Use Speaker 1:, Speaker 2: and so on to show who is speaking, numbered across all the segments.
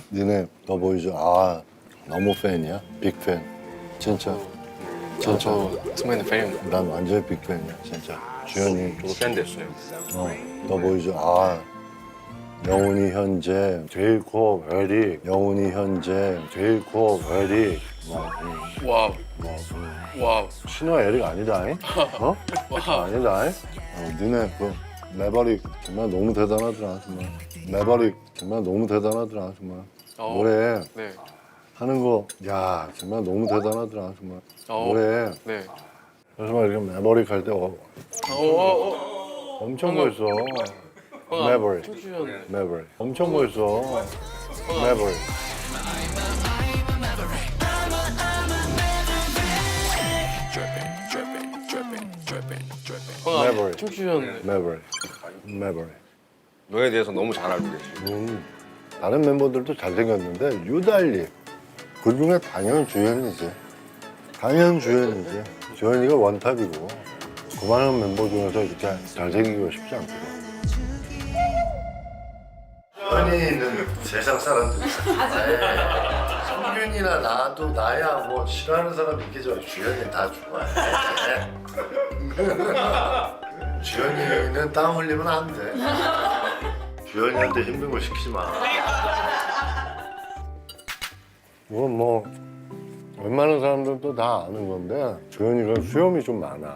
Speaker 1: 니네 너 보이죠? 아 너무 팬이야? 빅팬 진짜 진짜
Speaker 2: 저 승민이 팬입니다.
Speaker 1: 난 완전 빅팬이야 진짜 주현이
Speaker 3: 저도 팬 됐어요.
Speaker 1: 너 보이죠? 아 영훈이 현재 제일 코 베리 영훈이 현재 제일 코 베리
Speaker 2: 와우. 와우.
Speaker 1: 신호 에릭 아니다잉? 어? 아니다잉? 니네 그 매버릭 정말 너무 대단하더라 정말 매버릭 정말 너무 대단하더라 정말 노래
Speaker 2: 네.
Speaker 1: 하는 거 야 정말 너무 대단하더라 정말 노래
Speaker 2: 네.
Speaker 1: 그래서 막 이렇게 매버릭 할 때 엄청 멋있어 매버릭
Speaker 2: 춤추셨네.
Speaker 1: 매버릭 엄청 멋있어 매버릭 매버릭
Speaker 2: 춤추셨네.
Speaker 1: 매버릭 매버릭
Speaker 3: 너에 대해서 너무 잘 알고 계시고.
Speaker 1: 다른 멤버들도 잘생겼는데 유달리 그중에 당연 주현이지 당연 주현이지 주현이가 원탑이고 그 많은 멤버 중에서 이렇게 잘생기고 싶지 않거든 주현이는 세상 사람들 성균이나 나도 나야 뭐 싫어하는 사람 있겠죠 주현이 다 좋아해 주현이는 땀 흘리면 안돼 주현이한테 힘든 거 시키지 마. 이건 뭐 웬만한 사람들도 다 아는 건데 주현이가 수염이 좀 많아.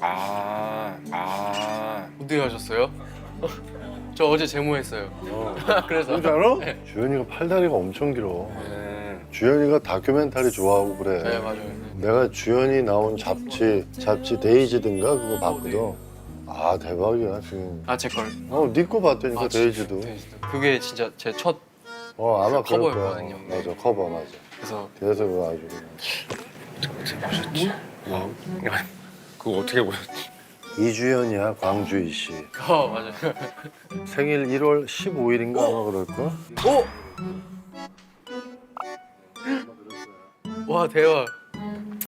Speaker 2: 어떻게 하셨어요? 저 어제 제모했어요. 그래서.
Speaker 1: 진짜로?
Speaker 2: 네.
Speaker 1: 주현이가 팔다리가 엄청 길어. 주현이가 다큐멘터리 좋아하고 그래.
Speaker 2: 네, 맞아요.
Speaker 1: 내가 주현이 나온 잡지 데이지든가 그거 봤거든. 아 대박이야 지금.
Speaker 2: 아, 제 걸.
Speaker 1: 네 거 봤다니까 데이지도.
Speaker 2: 데이지도. 그게 진짜 제 첫.
Speaker 1: 아마 그럴 거야.
Speaker 2: 커버였거든요. 네.
Speaker 1: 맞아 커버 맞아.
Speaker 2: 그래서
Speaker 1: 그래서 그거 아주 그냥.
Speaker 3: 보셨지? 그거 어떻게 보셨지?
Speaker 1: 이주연이야 광주이 씨.
Speaker 2: 맞아요.
Speaker 1: 생일 1월 15일인가 아마 그럴걸?
Speaker 2: 와, 대박.